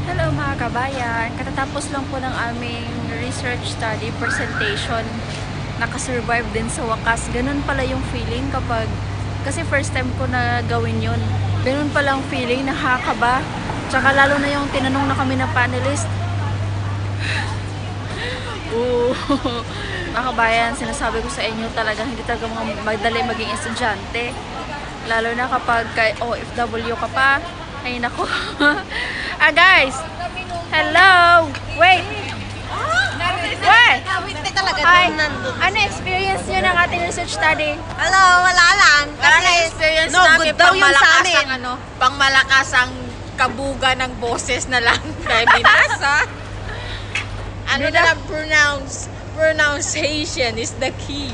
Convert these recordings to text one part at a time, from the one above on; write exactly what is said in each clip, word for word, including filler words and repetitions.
Hello mga kabayan, katatapos lang po ng aming research study presentation. Nakasurvive din sa wakas. Ganun pala yung feeling kapag, kasi first time ko na gawin yun. Ganun pala ang feeling, nakakaba. Tsaka lalo na yung tinanong na kami na panelist. Oo. Mga kabayan, sinasabi ko sa inyo talagang hindi talaga mga madali maging estudyante. Lalo na kapag kay O F W ka pa. Ay nako. Ah guys, hello! Wait! Wait! Hindi talaga Hi! doon nandun. Ano experience nyo ng ating research study? Hello, wala lang. Kasi Kasi experience no namin good daw pang yung sa malakas amin. ang ano, pang malakas ang kabuga ng boses na lang kay binasa. Ano na lang pronounce pronunciation is the key.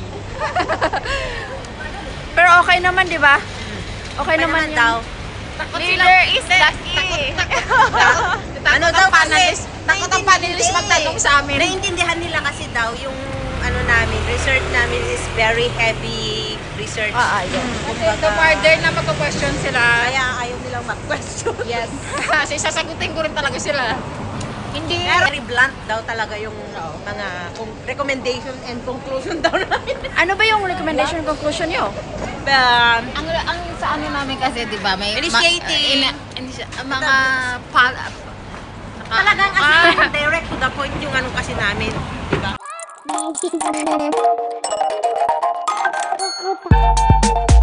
Pero okay naman, di ba? Okay, Ano naman, naman yun. daw? Leader is the key. Ano daw panelist? Takot ang panelist magtanong sa amin. Naiintindihan nila kasi daw yung ano namin, research namin is very heavy research. Ah, ah, yun. Kasi the further na magko-question sila, Kaya ayaw nilang mag-question. yes. Kasi sasagutin ko rin talaga sila. Hindi. Very blunt daw talaga yung mga kung- recommendation and conclusion daw namin. Ano ba yung recommendation conclusion nyo? Um, Ang, ang sa ano namin kasi, di ba, may Initiating. Ma, ina- initi- mga pa, naka- talagang as ah, in, direct to the point yung ano kasi namin. Diba?